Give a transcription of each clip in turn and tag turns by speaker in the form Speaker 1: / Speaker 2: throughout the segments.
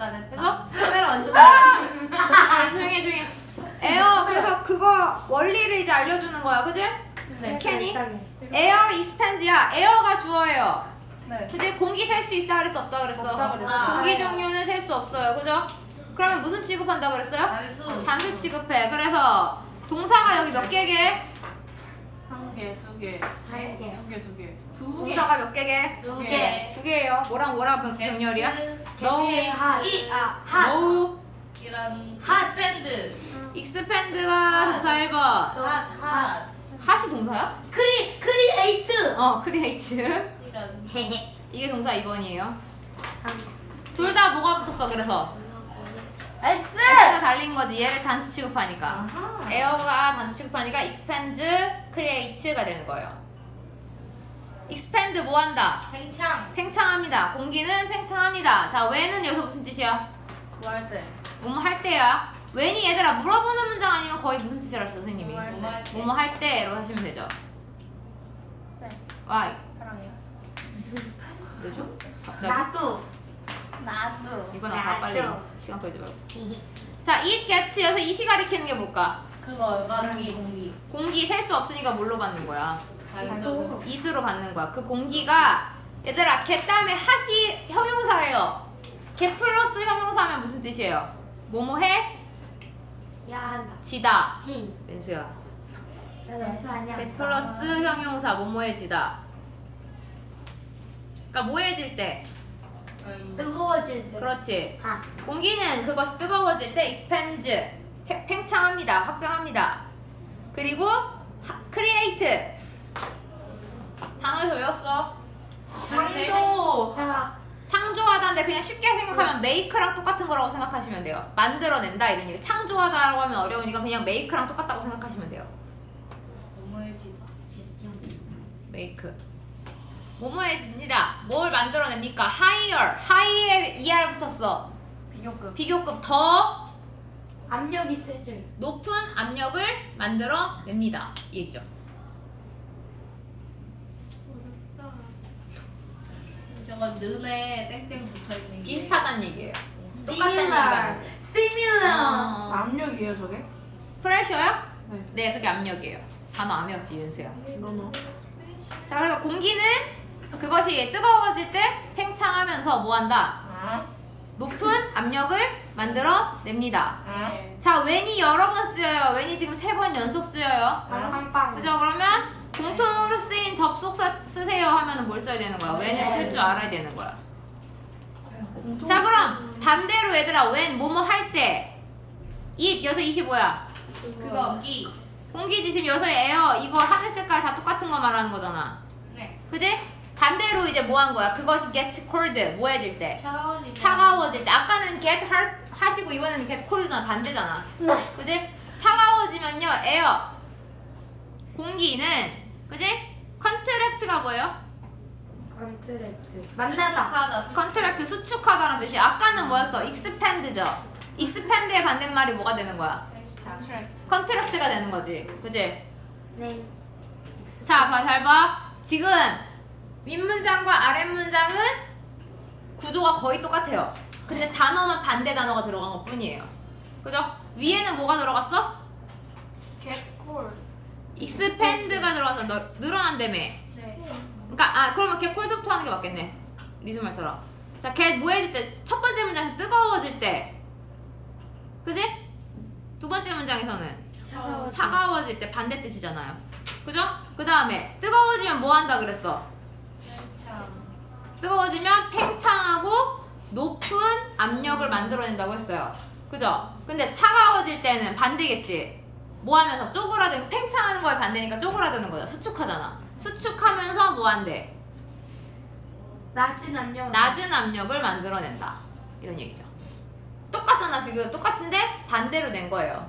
Speaker 1: 됐다.
Speaker 2: 그래서
Speaker 1: 카메라 완전.
Speaker 2: 조용히 해. 에어 그래서 그거 원리를 이제 알려주는 거야, 그지?
Speaker 1: 네.
Speaker 2: 캐니? 에어 expands야. 에어가 주어예요.
Speaker 1: 네.
Speaker 2: 그지? 공기 셀 수 있다 그랬어, 없다 그랬어?
Speaker 1: 없다 그랬어.
Speaker 2: 공기 종류는 셀 수 없어요, 그죠? 그러면 무슨 취급한다 그랬어요?
Speaker 1: 단수.
Speaker 2: 단수 취급해. 그래서 동사가 여기 몇 개게?
Speaker 1: 한 개, 두 개.
Speaker 3: 한 개.
Speaker 1: 두 개, 두 개.
Speaker 2: 동사가 몇 개게?
Speaker 1: 두
Speaker 3: 개.
Speaker 2: 두 개예요. 뭐랑 병렬이야?
Speaker 1: 개체
Speaker 3: 핫.
Speaker 2: no.
Speaker 1: 이런
Speaker 3: 핫.
Speaker 1: 밴드.
Speaker 2: expand가 동사 1번.
Speaker 1: 핫.
Speaker 2: 핫이 동사야?
Speaker 3: 크리에이트.
Speaker 2: create.
Speaker 1: 이런.
Speaker 2: 이게 동사 2번이에요. 둘 다 뭐가 붙었어, 그래서?
Speaker 1: S.
Speaker 2: S가 달린 거지. 얘를 단수 취급하니까.
Speaker 3: 아하.
Speaker 2: 에어가 단수 취급하니까 expands, creates가 되는 거예요. expand 뭐 한다?
Speaker 1: 팽창.
Speaker 2: 팽창합니다. 공기는 팽창합니다. 자, when은 여기서 무슨 뜻이야?
Speaker 1: 뭐 할 때?
Speaker 2: 뭐뭐 할 때야. when이 얘들아 물어보는 문장 아니면 거의 무슨 뜻이라 했어, 선생님이?
Speaker 1: 뭐 할 때?
Speaker 2: 뭐뭐 할 때로 하시면 되죠.
Speaker 1: 쌤.
Speaker 2: why?
Speaker 1: 사랑해요.
Speaker 2: 왜죠? 갑자기?
Speaker 3: 나도.
Speaker 1: 나도.
Speaker 2: 이거 나가 빨리.
Speaker 3: 나도.
Speaker 2: 시간 끌지 말고. 자, it gets 여기서 이시 가리키는 게 뭘까?
Speaker 1: 그거가 공기.
Speaker 2: 공기 셀 수 없으니까 뭘로 받는 거야?
Speaker 1: 단수.
Speaker 2: it으로 받는 거야. 그 공기가 얘들아 get 다음에 hat이 형용사예요. get 플러스 형용사면 무슨 뜻이에요? 뭐뭐 해?
Speaker 3: 야 한다.
Speaker 2: 지다.
Speaker 3: 힝.
Speaker 2: 멘수야.
Speaker 3: 아니야.
Speaker 2: get 플러스 형용사 뭐뭐해지다. 그러니까 뭐해질 때.
Speaker 3: 뜨거워질 때.
Speaker 2: 그렇지.
Speaker 3: 아.
Speaker 2: 공기는 그것이 뜨거워질 때 expands 팽창합니다. 확장합니다. 그리고 create 단어에서 외웠어.
Speaker 1: 창조.
Speaker 2: 창조하다인데 그냥 쉽게 생각하면 make랑 똑같은 거라고 생각하시면 돼요. 만들어낸다 이런 얘기. 창조하다라고 하면 어려우니까 그냥 make랑 똑같다고 생각하시면 돼요.
Speaker 1: 뭐뭐해지다.
Speaker 2: make. 뭐뭐해집니다. 뭘 만들어냅니까? high에 er 붙었어.
Speaker 1: 비교급.
Speaker 2: 비교급 더
Speaker 3: 압력이 세져요.
Speaker 2: 높은 압력을 만들어냅니다. 이 얘기죠.
Speaker 1: 저거 는에 땡땡 붙어있는 게.
Speaker 2: 비슷하다는 얘기예요. 똑같다는 얘기가 아니에요.
Speaker 3: similar.
Speaker 1: 압력이에요 저게?
Speaker 2: 프레셔요?
Speaker 1: 네.
Speaker 2: 네, 그게 압력이에요. 단어 안 외웠지, 윤수야.
Speaker 1: 너너.
Speaker 2: 자, 그래서 공기는 그것이 뜨거워질 때 팽창하면서 뭐한다?
Speaker 1: 아.
Speaker 2: 높은 압력을 만들어냅니다.
Speaker 1: 아.
Speaker 2: 자, when이 여러 번 쓰여요. when이 지금 3번 연속 쓰여요.
Speaker 3: 빵빵.
Speaker 2: 그죠? 그러면 공통으로 쓰인 접속사 쓰세요 하면은 뭘 써야 되는 거야? when을 쓸 줄 알아야 되는 거야. 자, 그럼 반대로 얘들아, when 뭐뭐 할 때 it 여기서 25야.
Speaker 1: 그거 공기.
Speaker 2: 공기지 지금 여기서 에어 이거 하늘 색깔 다 똑같은 거 말하는 거잖아.
Speaker 1: 네.
Speaker 2: 그지? 반대로 이제 뭐 한 거야? 그것이 gets cold 뭐해질 때?
Speaker 1: 차가워지면.
Speaker 2: 차가워질 때. 아까는 get hot 하시고 이번에는 get cold잖아. 반대잖아.
Speaker 3: 네.
Speaker 2: 그지? 차가워지면요, 에어 공기는 그지? 컨트랙트가 뭐예요?
Speaker 3: 컨트랙트. 만나다.
Speaker 1: 하다.
Speaker 2: 컨트랙트 수축하다는 뜻이. 아까는 뭐였어? expand죠. expand의 반대말이 뭐가 되는 거야? 컨트랙트가 되는 거지. 그지?
Speaker 3: 네.
Speaker 2: 자, 잘 봐. 지금 윗문장과 아랫문장은 구조가 거의 똑같아요. 근데 단어만 반대 단어가 들어간 것 뿐이에요. 그죠? 위에는 뭐가 들어갔어?
Speaker 1: get cold.
Speaker 2: expand가 들어가서 늘어난다며.
Speaker 1: 네.
Speaker 2: 그러니까 그러면 get cold부터 하는 게 맞겠네. 리수 말처럼. 자, get 뭐해질 때? 첫 번째 문장에서 뜨거워질 때. 그지? 두 번째 문장에서는 차가워질 때 반대 뜻이잖아요. 그죠? 그 다음에 뜨거워지면 뭐 한다 그랬어?
Speaker 1: 팽창.
Speaker 2: 뜨거워지면 팽창하고 높은 압력을 만들어낸다고 했어요. 그죠? 근데 차가워질 때는 반대겠지. 뭐 하면서 쪼그라들고 팽창하는 거에 반대니까 쪼그라드는 거죠. 수축하잖아. 수축하면서 뭐 한대?
Speaker 3: 낮은 압력.
Speaker 2: 낮은 압력을 만들어낸다. 이런 얘기죠. 똑같잖아 지금. 똑같은데 반대로 낸 거예요.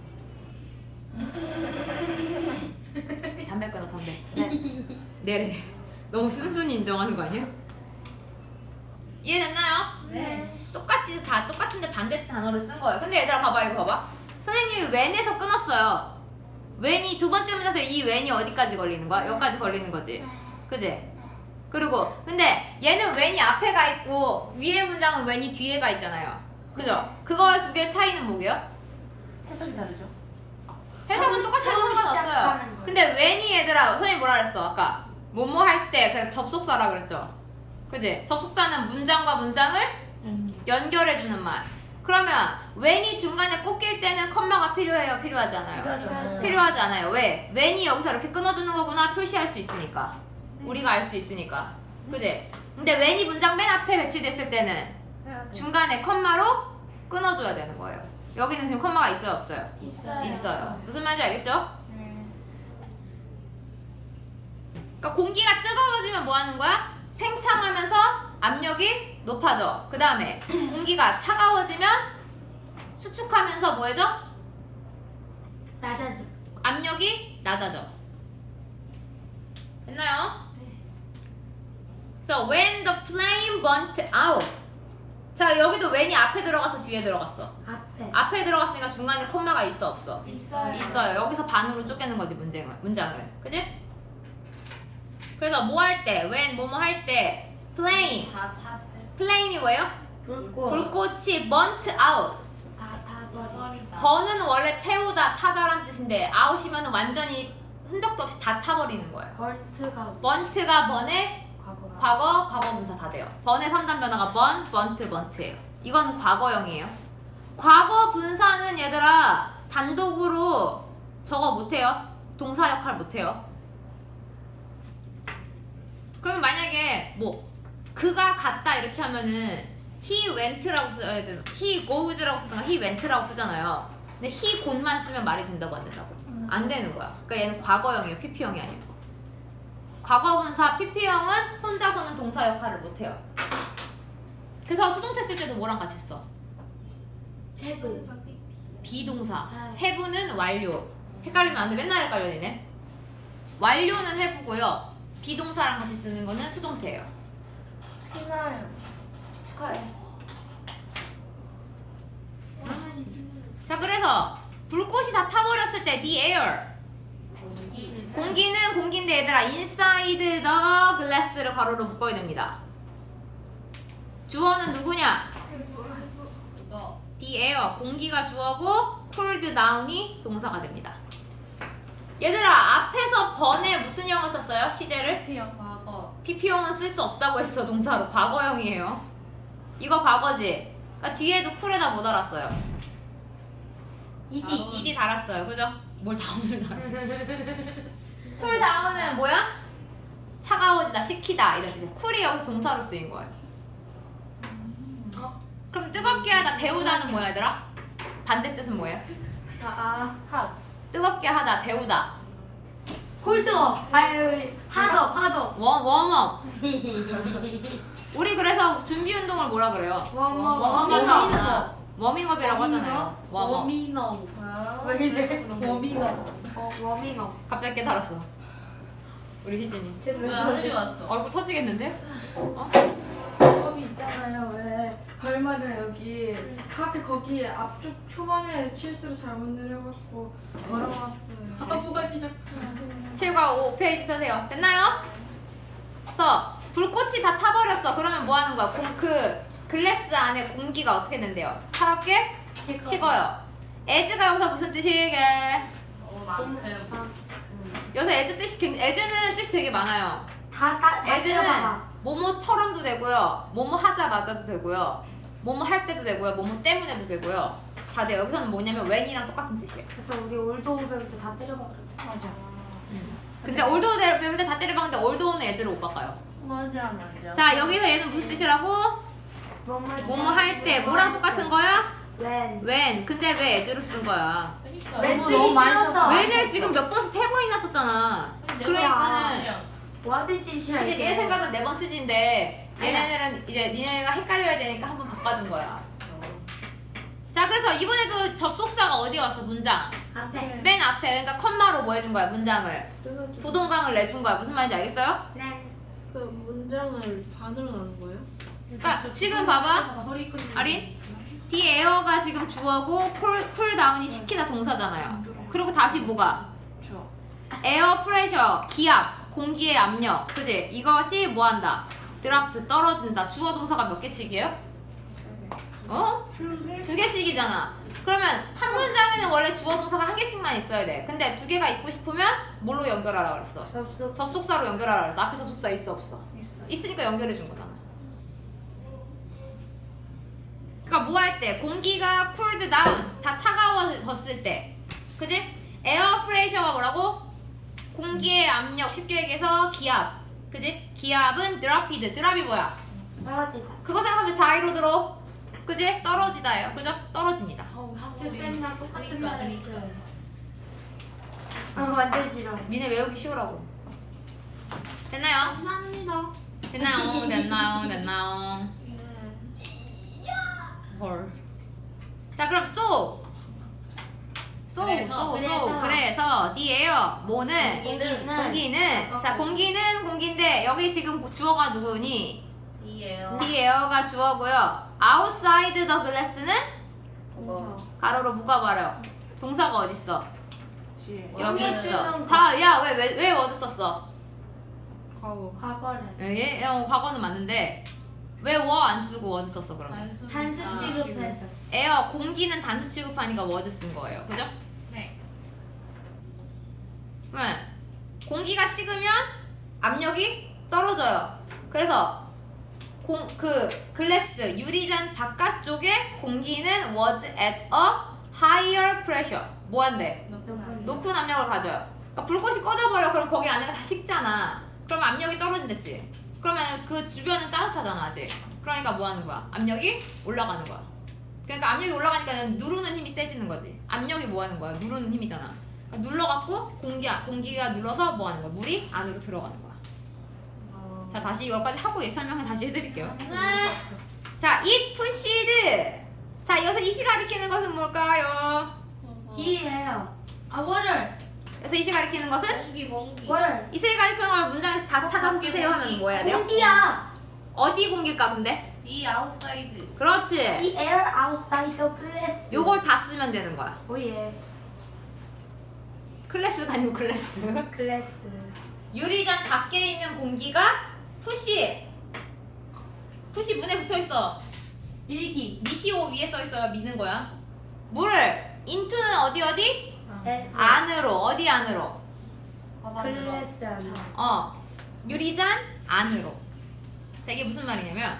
Speaker 2: 담배 끊어 담배.
Speaker 3: 네.
Speaker 2: 내래. 너무 순순히 인정하는 거 아니야? 이해됐나요?
Speaker 1: 네.
Speaker 2: 똑같이 다 똑같은데 반대 단어를 쓴 거예요. 근데 얘들아 봐봐 이거 봐봐. 선생님이 when에서 끊었어요. when이 두 번째 문장에서 이 when이 어디까지 걸리는 거야? 여기까지 걸리는 거지. 그지? 그리고 근데 얘는 when이 앞에 가 있고 위에 문장은 when이 뒤에 가 있잖아요. 그죠? 그거 두 개 차이는 뭐게요?
Speaker 1: 해석이 다르죠?
Speaker 2: 해석은 똑같이 해도
Speaker 3: 처음
Speaker 2: 상관없어요.
Speaker 3: 시작하는 거예요.
Speaker 2: 근데 when이 얘들아 선생님 뭐라 그랬어 아까? 뭐뭐 할 때 그래서 접속사라 그랬죠. 그지? 접속사는 문장과 문장을 연결해주는 말. 그러면 when이 중간에 꽂힐 때는 컴마가 필요해요? 필요하지 않아요?
Speaker 3: 필요하죠.
Speaker 2: 필요하지 않아요. 왜? when이 여기서 이렇게 끊어주는 거구나 표시할 수 있으니까. 우리가 알 수 있으니까. 그지? 근데 when이 문장 맨 앞에 배치됐을 때는 중간에 컴마로 끊어줘야 되는 거예요. 여기는 지금 컴마가 있어요? 없어요? 있어요. 무슨 말인지 알겠죠? 그러니까 공기가 뜨거워지면 뭐 하는 거야? 팽창하면서 압력이 높아져. 그 다음에 공기가 차가워지면 수축하면서 뭐해져?
Speaker 3: 낮아져.
Speaker 2: 압력이 낮아져. 됐나요? So when the flame burnt out. 자 여기도 when이 앞에 들어가서 뒤에 들어갔어. 앞에 들어갔으니까 중간에 콤마가 있어 없어?
Speaker 3: 있어요.
Speaker 2: 있어요. 여기서 반으로 쪼개는 거지 문장을. 그지? 그래서 뭐 할 때, when 뭐뭐 할 때 flame.
Speaker 1: 다 탔어요.
Speaker 2: flame이 뭐예요? 불꽃이 burnt out.
Speaker 3: 다 타버리다.
Speaker 2: 번은 원래 태우다, 타다란 뜻인데 out이면 완전히 흔적도 없이 다 타버리는 거예요. burnt가 번의 과거 분사 다 돼요. 번의 3단 변화가 burnt예요. 이건 과거형이에요. 과거 분사는 얘들아 단독으로 저거 못해요. 동사 역할 못해요. 그러면 만약에 뭐 그가 갔다 이렇게 하면은 he went라고 써야 되나? he goes라고 쓰거나 he went라고 쓰잖아요. 근데 he go만 쓰면 말이 된다고 안 된다고? 안 되는 거야. 그러니까 얘는 과거형이에요. PP형이 아니고. 과거분사 PP형은 혼자서는 동사 역할을 못해요. 그래서 수동태 쓸 때도 뭐랑 같이 써?
Speaker 3: have.
Speaker 2: 비동사. have는 완료. 헷갈리면 안 돼. 맨날 헷갈려지네. 완료는 have고요. 비동사랑 같이 쓰는 거는 수동태예요.
Speaker 3: 피나요.
Speaker 2: 축하해. 자 그래서 불꽃이 다 타버렸을 때 the air. 공기는 공기인데 얘들아 inside the glass를 괄호로 묶어야 됩니다. 주어는 누구냐?
Speaker 1: 이거
Speaker 2: the air 공기가 주어고 cooled down이 동사가 됩니다. 얘들아 앞에서 번에 무슨 형을 썼어요? 시제를?
Speaker 1: 피형 과거.
Speaker 2: PP형은 쓸 수 없다고 했어. 동사로 과거형이에요. 이거 과거지? 그러니까 뒤에도 쿨에다 못 달았어요. ED 달았어요. 그죠? 뭘 다운을 달아. 쿨 다운은 뭐야? 차가워지다, 식히다 이런 뜻이에요. 쿨이 여기서 동사로 쓰인 거예요. 그럼 뜨겁게 하다, 데우다는 뭐야 얘들아? 반대 뜻은 뭐예요?
Speaker 1: 핫.
Speaker 2: 뜨겁게 하다, 데우다.
Speaker 3: 홀드업. 아유, 하더.
Speaker 2: 웜업. 우리 그래서 준비 운동을 뭐라 그래요?
Speaker 3: 워밍업.
Speaker 2: 워밍업이라고 하잖아요. 웜업.
Speaker 3: 왜 이래? 워밍업.
Speaker 2: 갑자기 깨달았어. 우리 희진이.
Speaker 1: 왜 하늘이 왔어?
Speaker 2: 얼굴 터지겠는데? 어?
Speaker 4: 거기 있잖아요. 왜 별마다 여기 카페 거기 앞쪽 초반에 실수로 잘못 내려갖고 걸어왔어요.
Speaker 3: 바보가니야.
Speaker 2: 7과 5페이지 펴세요. 됐나요? 그래서 불꽃이 다 타버렸어. 그러면 뭐 하는 거야? 그 글래스 안에 공기가 어떻게 된대요? 차갑게? 식어요. as가 여기서 무슨 뜻이게?
Speaker 1: 만큼.
Speaker 2: 여기서 as는 뜻이 되게 많아요.
Speaker 3: 다
Speaker 2: as는
Speaker 3: 들어봐봐.
Speaker 2: 뭐뭐처럼도 되고요. 뭐뭐 하자마자도 되고요. 뭐뭐 할 때도 되고요. 뭐뭐 때문에도 되고요. 다 돼요. 여기서는 뭐냐면 when이랑 똑같은 뜻이에요.
Speaker 3: 그래서 우리 올드오 배울 때 다 때려봐 그랬어.
Speaker 1: 맞아.
Speaker 2: 근데 올드오 배울 때 다 때려봤는데 올드오는 as로 못 바꿔요.
Speaker 1: 맞아.
Speaker 2: 자 여기서 얘는 무슨 뜻이라고? 뭐뭐 할 때 뭐랑 똑같은 거야? when. 근데 왜 as로 쓴 거야?
Speaker 3: 웬
Speaker 1: 너무
Speaker 3: 쓰기
Speaker 1: 많이
Speaker 3: 싫어서.
Speaker 1: 썼어.
Speaker 2: when을 지금 몇 번씩 3번이나 썼잖아. 그러니까는
Speaker 3: 와드 짓이야
Speaker 2: 이제
Speaker 3: 이게.
Speaker 2: 얘네 생각은 4번 쓰지인데 얘네들은 이제 니네가 헷갈려야 되니까 한번 바꿔준 거야. 자 그래서 이번에도 접속사가 어디 왔어? 문장
Speaker 3: 앞에.
Speaker 2: 맨 앞에. 그러니까 컴마로 뭐 해준 거야? 문장을 부동강을 내준 거야. 무슨 말인지 알겠어요?
Speaker 3: 네.
Speaker 4: 그 문장을 반으로 나눈 거예요?
Speaker 2: 그러니까 지금 봐봐 아린 the air가 지금 주어고 쿨 다운이 식히다 동사잖아요. 그리고 다시 뭐가? 에어 프레셔 기압 공기의 압력. 그지? 이것이 뭐 한다? 드라프트 떨어진다. 주어 동사가 몇 개씩이에요? 어? 2개씩이잖아. 그러면 한 문장에는 원래 주어 동사가 1개씩만 있어야 돼. 근데 2개가 있고 싶으면 뭘로 연결하라 그랬어? 접속사로 연결하라 그랬어. 앞에 접속사 있어 없어? 있으니까 연결해 준 거잖아. 그러니까 뭐 할 때? 공기가 cooled down, 다 차가워졌을 때. 그지? 에어 프레셔가 뭐라고? 공기의 압력, 쉽게 얘기해서 기압. 그지? 기압은 드랍이드. 드랍이 뭐야?
Speaker 3: 떨어지다.
Speaker 2: 그거 생각하면 자이로 들어. 그지? 떨어지다예요. 그죠? 떨어집니다.
Speaker 3: 학교 쌤이랑 똑같은
Speaker 1: 그러니까,
Speaker 3: 말 했어요. 완전 싫어.
Speaker 2: 니네 외우기 쉬우라고. 됐나요?
Speaker 4: 감사합니다.
Speaker 2: 됐나요? 됐나요? 헐. 자, 그럼 그래서 the air 뭐는 공기는 자, 공기인데 여기 지금 주어가 누구니?
Speaker 1: 이에요.
Speaker 2: the air가 주어고요. outside the glass는 가로로 묶어버려. 동사가 어딨어?
Speaker 4: 뒤에.
Speaker 2: 여기 있어.
Speaker 3: 쓰는
Speaker 2: 자, 야, 왜 어디 썼어?
Speaker 3: 과거를 했어.
Speaker 2: 예? 과거는 맞는데 왜 안 쓰고 어디 썼어 그러면?
Speaker 3: 단수 취급해서.
Speaker 2: 에어 공기는 단수 취급하니까 워즈 쓴 거예요. 그죠?
Speaker 1: 네.
Speaker 2: 왜? 공기가 식으면 압력이 떨어져요. 그래서 그 글래스 유리잔 바깥쪽에 공기는 was at a higher pressure. 뭐 한대? 높은 압력을 가져요. 그러니까 불꽃이 꺼져버려. 그럼 거기 안에가 다 식잖아. 그러면 압력이 떨어진댔지. 그러면 그 주변은 따뜻하잖아 아직. 그러니까 뭐 하는 거야? 압력이 올라가는 거야. 그러니까 압력이 올라가니까 누르는 힘이 세지는 거지. 압력이 뭐 하는 거야? 누르는 힘이잖아. 그러니까 눌러갖고 공기가 눌러서 뭐 하는 거야? 물이 안으로 들어가는 거야. 자, 다시 이거까지 하고 설명을 다시 해드릴게요. 자, it pushed. 자, 여기서 it이 가리키는 것은 뭘까요?
Speaker 3: D예요.
Speaker 2: 여기서 it이 가리키는 것은?
Speaker 1: 공기.
Speaker 2: it을 가리키는 걸 문장에서 다 찾아서 쓰세요 하면 뭐 해야 돼요?
Speaker 3: 공기야.
Speaker 2: 어디 공기일까 근데?
Speaker 1: 이 아웃사이드.
Speaker 2: 그렇지.
Speaker 3: The air outside the glass.
Speaker 2: 요걸 다 쓰면 되는 거야.
Speaker 3: 오예.
Speaker 2: 클래스가 아니고 클래스.
Speaker 3: 글래스.
Speaker 2: 유리잔 밖에 있는 공기가 푸시 문에 붙어있어.
Speaker 3: 밀기.
Speaker 2: 미시오 위에 써있어요. 미는 거야. 물을 인투는 어디? 안으로. 어디 안으로?
Speaker 3: 글래스 안에.
Speaker 2: 유리잔 안으로. 자, 이게 무슨 말이냐면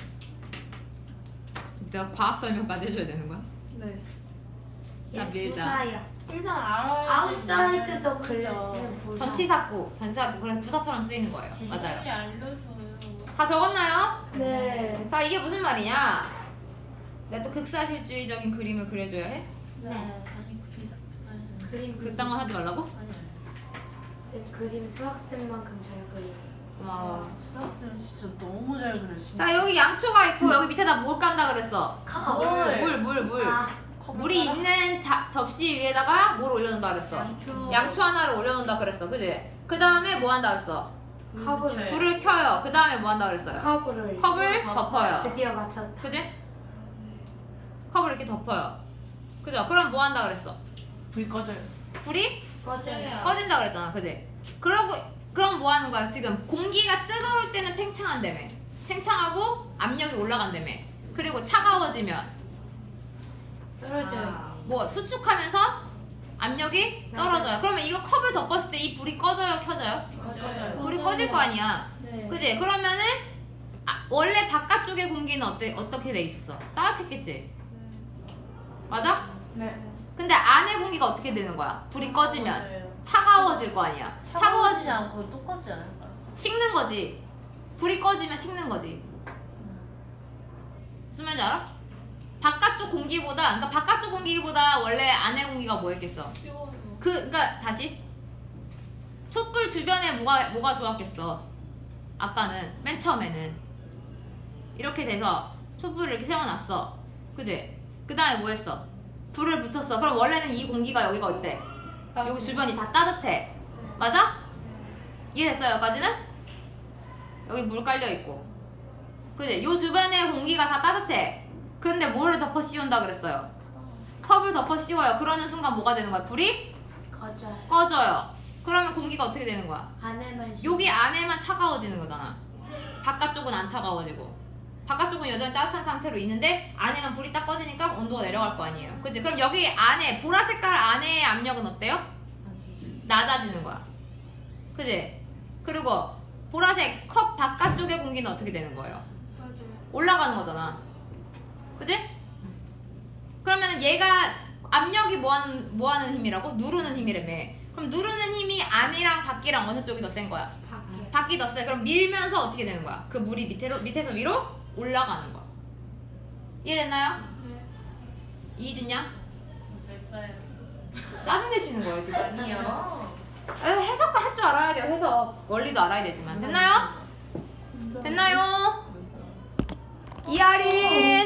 Speaker 2: 내가 과학 설명까지 해줘야 되는 거야?
Speaker 4: 네.
Speaker 2: 자, 밀자.
Speaker 3: 부사야.
Speaker 4: 일단 알아야.
Speaker 3: Outside the glass는 부사.
Speaker 2: 전치사구. 그래서 부사처럼 쓰이는 거예요. 맞아요.
Speaker 1: 빨리 알려줘요.
Speaker 2: 다 적었나요?
Speaker 3: 네.
Speaker 2: 자, 이게 무슨 말이냐? 내가 또 극사실주의적인 그림을 그려줘야 해?
Speaker 3: 네.
Speaker 1: 아니 그 비사. 아니.
Speaker 3: 그림
Speaker 2: 그딴 거 하지 말라고?
Speaker 3: 쌤 그림 수학쌤만큼 잘 그려요.
Speaker 2: 고마워.
Speaker 1: 수학쌤 진짜 너무 잘 그려.
Speaker 2: 자, 여기 양초가 있고 여기 밑에다 뭘 깐다 그랬어? 물.
Speaker 3: 아,
Speaker 2: 물이 있는 접시 위에다가 뭘 올려놓는다 그랬어? 양초 하나를 올려놓는다 그랬어. 그지? 그 다음에 뭐 한다 그랬어?
Speaker 3: 컵을.
Speaker 2: 불을 켜요. 그 다음에 뭐 한다 그랬어요? 컵을 덮어요.
Speaker 3: 드디어 맞췄다.
Speaker 2: 그지? 컵을 이렇게 덮어요. 그죠? 그럼 뭐 한다 그랬어?
Speaker 1: 불 꺼져요.
Speaker 2: 불이
Speaker 3: 꺼져요.
Speaker 2: 꺼진다 그랬잖아. 그지? 그럼 뭐 하는 거야? 지금 공기가 뜨거울 때는 팽창한다며. 팽창하고 압력이 올라간다며. 그리고 차가워지면
Speaker 3: 떨어져요.
Speaker 2: 뭐 수축하면서 압력이 떨어져요. 그러면 이거 컵을 덮었을 때 이 불이 꺼져요, 켜져요?
Speaker 3: 꺼져요.
Speaker 2: 불이 꺼질 거 아니야.
Speaker 3: 네.
Speaker 2: 그지? 그러면은 원래 바깥쪽의 공기는 어떻게 돼 있었어? 따뜻했겠지? 맞아?
Speaker 4: 네.
Speaker 2: 근데 안의 공기가 어떻게 되는 거야? 불이 꺼지면 차가워질 거 아니야.
Speaker 1: 차가워지지 않고 똑같지 않을까요?
Speaker 2: 식는 거지. 불이 꺼지면 식는 거지. 무슨 말인지 알아? 그러니까 바깥쪽 공기보다 원래 안의 공기가 뭐였겠어? 그러니까 다시 촛불 주변에 뭐가 좋았겠어? 아까는 맨 처음에는 이렇게 돼서 촛불을 이렇게 세워놨어. 그지? 그 다음에 뭐 했어? 불을 붙였어. 그럼 원래는 이 공기가 여기가 어때? 여기 주변이 다 따뜻해. 맞아? 이해됐어요? 여기까지는? 여기 물 깔려있고. 그지? 요 주변의 공기가 다 따뜻해. 근데 뭐를 덮어 씌운다 그랬어요? 컵을 덮어 씌워요. 그러는 순간 뭐가 되는 거야? 불이
Speaker 3: 꺼져요.
Speaker 2: 꺼져요. 그러면 공기가 어떻게 되는 거야?
Speaker 3: 안에만
Speaker 2: 여기 안에만 차가워지는 거잖아. 바깥쪽은 안 차가워지고. 바깥쪽은 여전히 따뜻한 상태로 있는데 안에만 불이 딱 꺼지니까 온도가 내려갈 거 아니에요. 그치? 그럼 여기 안에 보라 색깔 안에의 압력은 어때요? 낮아지는 거야. 그치? 그리고 보라색 컵 바깥쪽의 공기는 어떻게 되는 거예요?
Speaker 3: 맞아요.
Speaker 2: 올라가는 거잖아. 그치? 그러면 얘가 압력이 뭐하는 힘이라고? 누르는 힘이라며. 그럼 누르는 힘이 안이랑 밖이랑 어느 쪽이 더 센 거야?
Speaker 3: 밖에.
Speaker 2: 밖이 더 세. 그럼 밀면서 어떻게 되는 거야? 그 물이 밑에서 위로 올라가는 거야. 이해됐나요?
Speaker 3: 네.
Speaker 2: 이해했냐?
Speaker 1: 됐어요.
Speaker 2: 짜증내시는 거예요 지금?
Speaker 1: 아니요.
Speaker 2: 해석 할 줄 알아야 돼요. 해석 원리도 알아야 되지만 됐나요? 됐나요? 이하린